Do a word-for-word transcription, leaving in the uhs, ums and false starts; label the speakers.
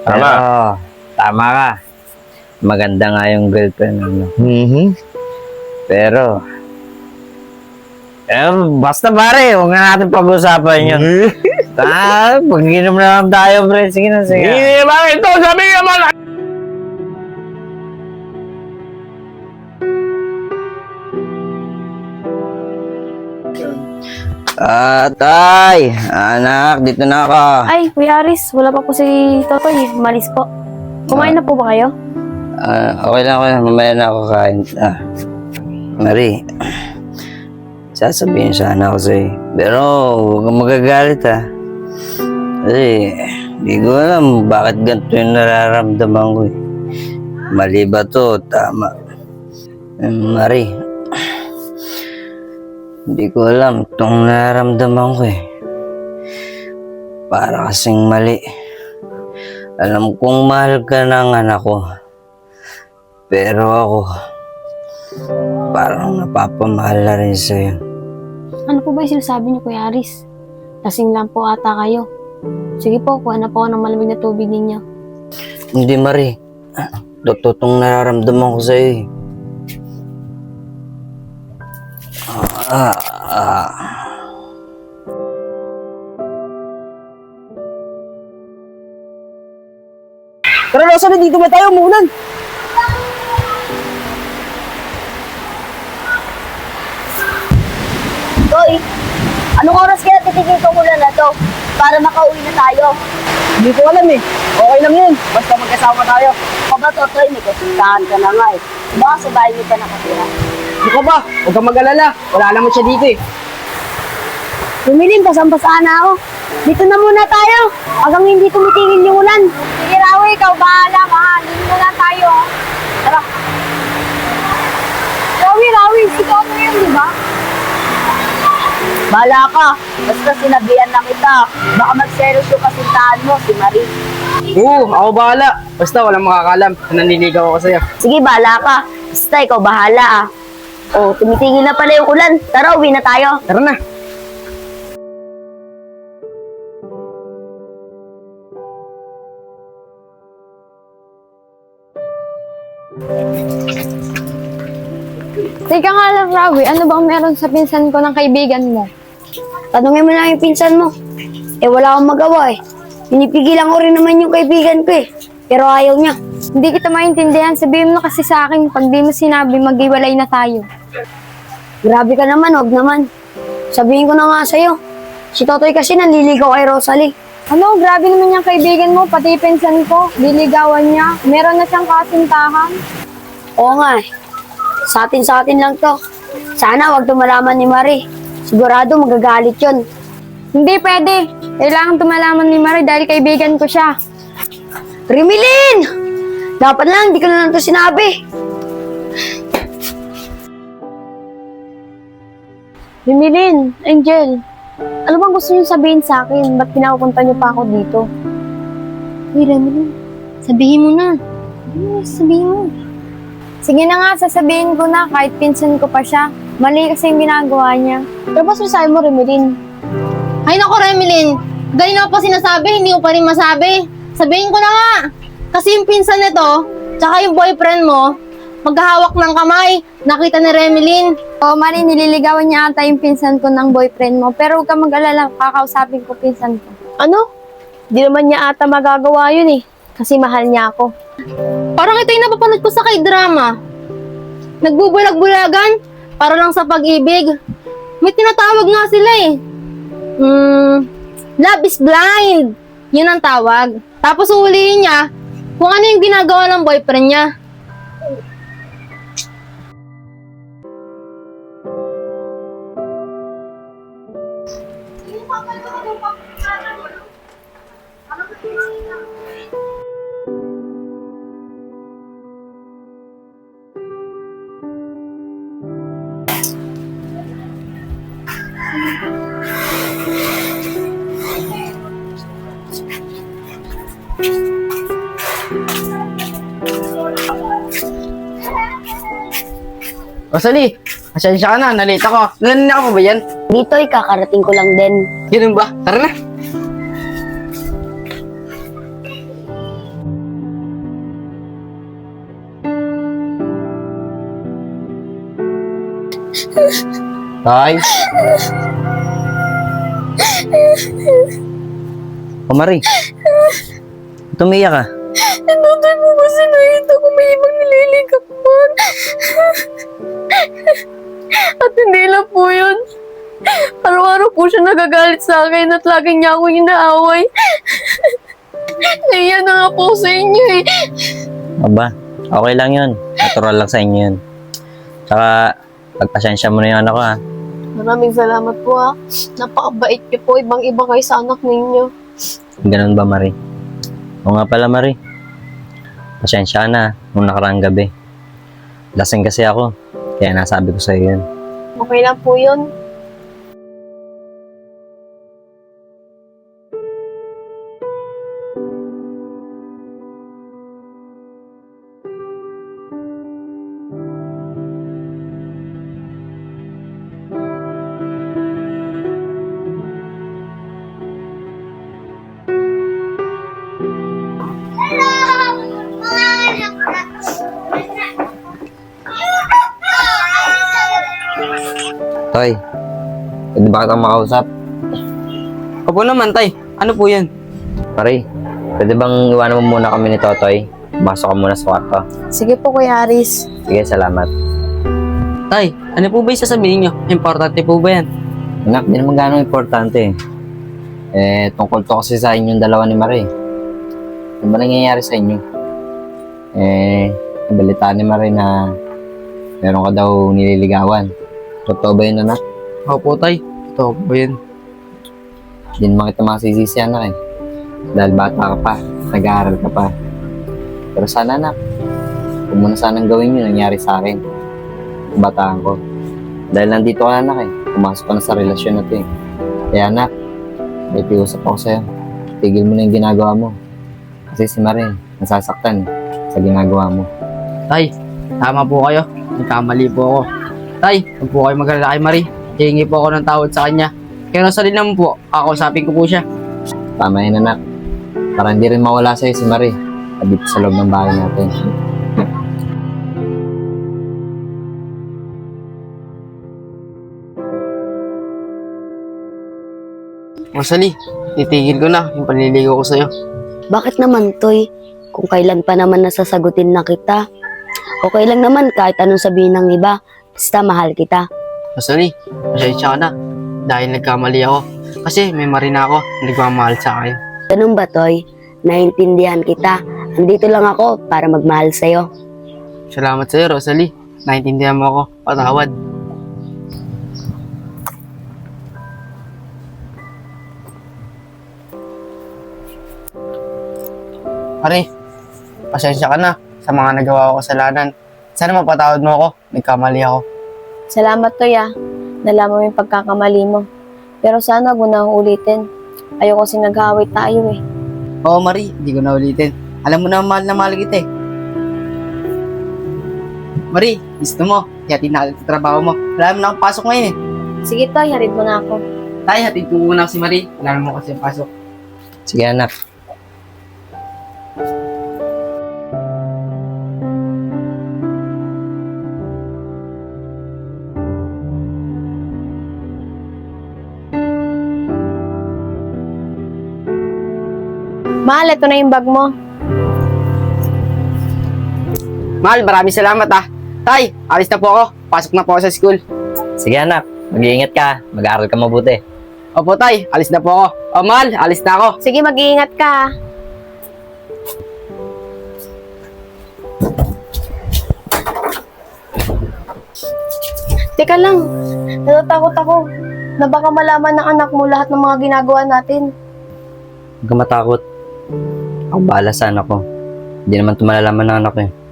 Speaker 1: Tama.
Speaker 2: Pero, tama ka. Maganda nga yung girlfriend mo.
Speaker 1: Mm-hmm.
Speaker 2: Pero, eh, basta pare, huwag na natin pag-usapan yun. Ah, pag-inom na lang tayo, pre. Sige na, sige.
Speaker 1: Eh, bakit ito? Sabi naman.
Speaker 2: Ah, tay! Anak, dito na ako.
Speaker 3: Ay, Kuya Aris, wala pa po si Totoy. Malis po. Kumain na po ba kayo?
Speaker 2: Ah, okay lang, okay lang. Mamaya na ako kain. Ah, Marie, sasabihin sana ako sa'yo. Pero, huwag kang magagalit, ha. Kasi, hindi ko alam bakit ganito yung nararamdaman ko, eh. Mali ba to? Tama. Eh, Marie, hindi ko alam itong nararamdaman ko, eh. Para kasing mali. Alam kong mahal ka ng anak ko. Pero ako, parang napapamahal na rin sa'yo.
Speaker 3: Ano po ba yung sinasabi niyo, Kuya Aris? Lasing lang po ata kayo. Sige po, kuha na po ako ng malamig na tubig ninyo.
Speaker 2: Hindi, Marie. Totoo itong nararamdaman ko sa'yo, eh. Ah, ah.
Speaker 4: Tara, Rosalie, dito ba tayo? Umuulan.
Speaker 5: Toy, anong oras kaya titigil ko muna na to para makauwi na tayo?
Speaker 4: Hindi ko alam eh. Okay lang yun. Basta magkasama tayo.
Speaker 5: O ba, Totoy, may kasintahan ka na nga eh. Baka sa bahay niyo pa nakatira.
Speaker 4: Hindi ko ba? Huwag kang mag-alala. Wala naman siya dito eh.
Speaker 5: Lumilim, pasang-pasaan na ako. Dito na muna tayo. Hanggang hindi tumitigil yung ulan. Sige, Rawi, ikaw bahala, mahal. Dito na lang tayo. ah. Tara. Rawi, Rawi, ikaw na yun, di ba? Bahala ka. Basta sinabihan na kita. Baka magselos yung kasintahan mo, si Marie.
Speaker 4: Oo, ako bahala. Basta walang makakalam na nanliligaw ako sa'yo.
Speaker 5: Sige, bahala ka. Basta ikaw bahala ah. Oh, tumitigil na pala yung ulan. Tara, uwi na tayo.
Speaker 4: Tara na.
Speaker 3: Teka nga lang, Rawi, ano bang meron sa pinsan ko ng kaibigan mo?
Speaker 5: Tanungin mo na yung pinsan mo. Eh, wala akong magawa eh. Pinipigilan ko rin naman yung kaibigan ko eh. Pero ayaw niya.
Speaker 3: Hindi kita maintindihan. Sabihin mo na kasi sa akin, pag di mo sinabi, mag-iwalay na tayo.
Speaker 5: Grabe ka naman, wag naman. Sabihin ko na nga sa'yo. Si Totoy kasi nanliligaw kay Rosalie.
Speaker 3: Ano, grabe naman yung kaibigan mo, pati pinsan ko, liligawan niya. Meron na siyang kasintahan.
Speaker 5: Oo nga eh. Sa atin sa atin lang to. Sana wag tumalaman ni Marie. Sigurado magagalit yun.
Speaker 3: Hindi pwede. Kailangan tumalaman ni Marie dahil kaibigan ko siya.
Speaker 5: Rimilin! Dapat lang, hindi ko na lang to sinabi.
Speaker 3: Rimilin, Angel, ano bang gusto niyo sabihin sa akin? Ba't pinapunta niyo pa ako dito? Uy, Rimilin, sabihin mo na. Ano sabihin mo? Sige na nga, sasabihin ko na kahit pinsan ko pa siya. Mali kasi yung ginagawa niya. Pero ba sasabi mo, Rimilin?
Speaker 6: Ay naku, Remilyn. Ganyan ako pa sinasabi, hindi mo pa rin masabi. Sabihin ko na nga. Kasi yung pinsan nito, tsaka yung boyfriend mo, maghahawak ng kamay. Nakita ni Remilyn.
Speaker 3: O, Mari, nililigawan niya ata yung pinsan ko ng boyfriend mo. Pero huwag ka mag-alala, kakausapin ko pinsan ko.
Speaker 5: Ano? Di naman niya ata magagawa yun eh. Kasi mahal niya ako.
Speaker 6: Parang ito yung napapanood ko sa kay-drama. Nagbubulag-bulagan para lang sa pag-ibig. May tinatawag nga sila eh. Hmm, love is blind. Yun ang tawag. Tapos uhulihin niya kung ano yung ginagawa ng boyfriend niya.
Speaker 4: Rosalie, asensya ka na. Nalate ako. Nanina ka pa ba yan?
Speaker 5: Dito, kakarating ko lang din.
Speaker 4: Ganun ba? Tara na.
Speaker 2: Tay? O Marie, tumiyak ka.
Speaker 3: Nandotoy po kasi nakita ko may ibang nililigawan. At hindi lang po yun. Araw-araw po siya nagagalit sa akin at lagi niya ako inaaway. Naiya na nga po sa inyo eh.
Speaker 2: Aba, okay lang yun. Natural lang sa inyo yun. Tsaka, pagpasensya mo na yung anak ko ha.
Speaker 3: Maraming salamat po ha. Napakabait niyo po. Ibang-iba kayo sa anak ninyo.
Speaker 2: Ganun ba, Marie? O nga pala, Marie. Pasensya ka na nung nakaraang gabi. Lasing kasi ako. Kaya nasabi ko sa'yo yun.
Speaker 3: Okay lang po yun.
Speaker 2: Toy, pwede ba kitang makausap?
Speaker 4: Opo naman, tay. Ano po yan?
Speaker 2: Marie, pwede bang iwanan mo muna kami ni Totoy? Masok ka muna sa kwarto.
Speaker 3: Sige po, Kuya Aris.
Speaker 2: Sige, salamat.
Speaker 4: Tay, ano po ba yung sasabihin nyo? Importante po ba yan?
Speaker 2: Anak, di naman gano'ng importante. Eh, tungkol to kasi sa inyong dalawa ni Marie. Ano ba nangyayari sa inyo? Eh, nabalitaan ni Marie na meron ka daw nililigawan. Totoo ba yun, anak?
Speaker 4: Opo, tay. Ito po yan.
Speaker 2: Hindi naman kita masisisi, anak eh. Dahil bata ka pa, nag-aaral ka pa. Pero sana, anak, huwag mo na sanang gawin yun nangyari sa akin. Bataan ko. Dahil nandito ka, anak eh. Pumasok ka na sa relasyon na to eh. Kaya, anak, may piusap ako sa'yo. Tigil mo na yung ginagawa mo. Kasi si Marie, nasasaktan eh, sa ginagawa mo.
Speaker 4: Tay, tama po kayo. Nagkamali po ako. Tay, huwag po kayo mag-alala kay Marie. Hihingi po ako ng tawad sa kanya. Kaya nasa rin naman po, kakausapin ko po siya.
Speaker 2: Tama yun, anak. Para hindi rin mawala sa'yo si Marie. At dito sa loob ng bahay natin.
Speaker 4: Rosalie, titigil ko na yung panliligaw ko sa'yo.
Speaker 5: Bakit naman, Toy? Kung kailan pa naman nasasagutin na kita. Okay lang naman kahit anong sabihin ng iba. Basta mahal kita.
Speaker 4: Rosalie, pasensya ka na. Dahil nagkamali ako. Kasi may marina ako na nagmamahal sa akin.
Speaker 5: Ganun ba, Toy? Naintindihan kita. Andito lang ako para magmahal sa'yo.
Speaker 4: Salamat sa'yo, Rosalie. Naintindihan mo ako. Patawad. Pare, pasensya ka na sa mga nagawa ko kasalanan. Sana mapatawad mo ako. Nagkamali ako.
Speaker 3: Salamat, Toy ah. Nalaman mo yung pagkakamali mo. Pero sana huwag mo na ulitin. Ayoko kasi nag-aaway tayo eh.
Speaker 4: Oo, Marie. Hindi ko na ulitin. Alam mo na mahal na mahal kita eh. Marie, gusto mo. Hatid na agad sa trabaho mo. Wala mo na akong pasok ngayon eh.
Speaker 3: Sige, Toy. Harid mo na ako.
Speaker 4: Tay, hatid ko muna si Marie. Wala mo kasi ang pasok.
Speaker 2: Sige, anak.
Speaker 3: Mahal, ito na yung bag mo.
Speaker 4: Mahal, maraming salamat ah. Tay, alis na po ako. Pasok na po ako sa school.
Speaker 2: Sige, anak. Mag-iingat ka. Mag-aaral ka mabuti.
Speaker 4: Opo, Tay. Alis na po ako. O, Mahal, alis na ako.
Speaker 3: Sige, mag-iingat ka ah. Teka lang, natatakot ako na baka malaman ng anak mo lahat ng mga ginagawa natin.
Speaker 2: Huwag ka matakot. Ako bahala sa anak ko. Hindi naman ito malalaman ng anak ko eh.